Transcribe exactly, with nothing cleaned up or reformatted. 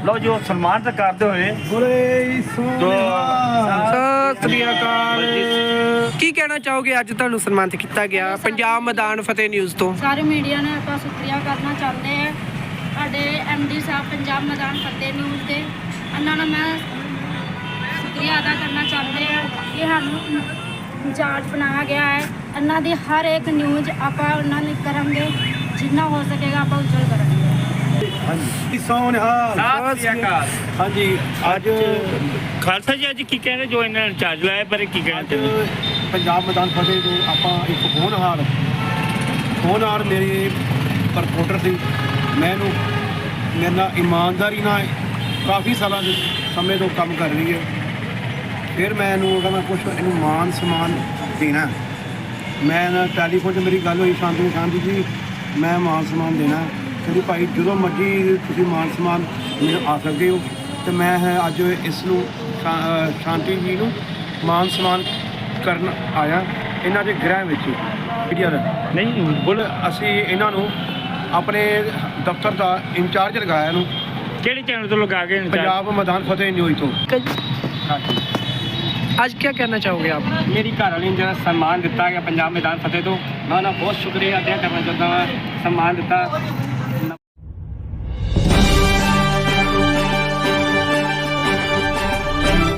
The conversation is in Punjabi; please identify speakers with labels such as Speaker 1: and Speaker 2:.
Speaker 1: ਲਓ ਜੀ ਉਹ ਸਨਮਾਨ ਤਾਂ ਕਰਦੇ ਹੋਏ
Speaker 2: ਸਤਿ ਸ੍ਰੀ ਅਕਾਲ। ਕੀ ਕਹਿਣਾ ਚਾਹੋਗੇ ਅੱਜ ਤੁਹਾਨੂੰ ਸਨਮਾਨਿਤ ਕੀਤਾ ਗਿਆ ਪੰਜਾਬ ਮੈਦਾਨ ਫਤਿਹ ਨਿਊਜ਼ ਤੋਂ?
Speaker 3: ਸਾਰੇ ਮੀਡੀਆ ਨੇ ਆਪਾਂ ਸ਼ੁਕਰੀਆ ਕਰਨਾ ਚਾਹੁੰਦੇ ਹਾਂ ਸਾਡੇ ਐਮ ਡੀ ਸਾਹਿਬ ਪੰਜਾਬ ਮੈਦਾਨ ਫਤਿਹ ਨਿਊਜ਼ ਦੇ। ਇਹਨਾਂ ਨੂੰ ਮੈਂ ਸ਼ੁਕਰੀਆ ਅਦਾ ਕਰਨਾ ਚਾਹੁੰਦੇ ਹਾਂ ਕਿ ਸਾਨੂੰ ਇੰਚਾਰਜ ਬਣਾਇਆ ਗਿਆ ਹੈ। ਇਹਨਾਂ ਦੀ ਹਰ ਇੱਕ ਨਿਊਜ਼ ਆਪਾਂ ਉਹਨਾਂ ਨੂੰ ਕਰਾਂਗੇ, ਜਿੰਨਾ ਹੋ ਸਕੇਗਾ ਆਪਾਂ ਉਜਲ ਕਰਾਂਗੇ।
Speaker 4: ਹਾਂਜੀ ਸੋਨਿਹਾਲ
Speaker 1: ਸਤਿ ਸ੍ਰੀ ਅਕਾਲ।
Speaker 4: ਹਾਂਜੀ ਅੱਜ
Speaker 1: ਖਾਲਸਾ ਜੀ ਅੱਜ ਕੀ ਕਹਿੰਦੇ ਜੋ ਇਹਨਾਂ ਨੇ ਚਾਰਜ ਲਾਇਆ ਪਰ ਕੀ ਕਹਿਣਾ
Speaker 4: ਅੱਜ
Speaker 1: ਚਾਹੁੰਦੇ?
Speaker 4: ਪੰਜਾਬ ਮੈਦਾਨ ਫਤਿਹ ਤੋਂ ਆਪਾਂ ਇੱਕ ਹੋਣਹਾਰ ਹੋਣਹਾਰ ਮੇਰੇ ਰਿਪੋਰਟਰ ਸੀ। ਮੈਨੂੰ ਮੇਰੇ ਨਾਲ ਇਮਾਨਦਾਰੀ ਨਾਲ ਕਾਫੀ ਸਾਲਾਂ ਦੇ ਸਮੇਂ ਤੋਂ ਕੰਮ ਕਰ ਰਹੀ ਹੈ। ਫਿਰ ਮੈਂ ਇਹਨੂੰ ਉਹਦਾ ਮੈਂ ਕੁਛ ਇਹਨੂੰ ਮਾਨ ਸਨਮਾਨ ਦੇਣਾ। ਮੈਂ ਨਾ ਟੈਲੀਫੋਨ 'ਤੇ ਮੇਰੀ ਗੱਲ ਹੋਈ ਸ਼ਾਂਤੀ ਸ਼ਾਂਤੀ ਜੀ, ਮੈਂ ਮਾਨ ਸਨਮਾਨ ਦੇਣਾ। ਕਹਿੰਦੀ ਭਾਈ ਜਦੋਂ ਮਰਜ਼ੀ ਤੁਸੀਂ ਮਾਨ ਸਨਮਾਨ ਮੈਨੂੰ ਆ ਸਕਦੇ ਹੋ। ਅਤੇ ਮੈਂ ਹੈ ਅੱਜ ਇਸ ਨੂੰ ਸ਼ਾ- ਸ਼ਾਂਤੀ ਜੀ ਨੂੰ ਮਾਨ ਸਨਮਾਨ ਕਰਨ ਆਇਆ ਇਹਨਾਂ ਦੇ ਗ੍ਰਹਿ ਵਿੱਚ ਮੀਡੀਆ ਦਾ।
Speaker 1: ਨਹੀਂ ਬੋਲ
Speaker 4: ਅਸੀਂ ਇਹਨਾਂ ਨੂੰ ਆਪਣੇ ਦਫ਼ਤਰ ਦਾ ਇੰਚਾਰਜ ਲਗਾਇਆ ਇਹਨੂੰ
Speaker 1: ਕਿਹੜੇ ਚੈਨਲ ਤੋਂ ਲਗਾ ਕੇ
Speaker 4: ਪੰਜਾਬ ਮੈਦਾਨ ਫਤਿਹ ਨਿਊਜ਼ ਤੋਂ।
Speaker 2: ਅੱਜ ਕੀ ਕਹਿਣਾ ਚਾਹੋਗੇ ਆਪ?
Speaker 5: ਮੇਰੀ ਘਰ ਵਾਲੀ ਨੂੰ ਜਿਹੜਾ ਸਨਮਾਨ ਦਿੱਤਾ ਗਿਆ ਪੰਜਾਬ ਮੈਦਾਨ ਫਤਿਹ ਤੋਂ, ਮੈਂ ਉਹਨਾਂ ਬਹੁਤ ਸ਼ੁਕਰੀਆ ਅਦਾ ਕਰਨਾ ਚਾਹੁੰਦਾ ਹਾਂ। ਸਨਮਾਨ ਦਿੱਤਾ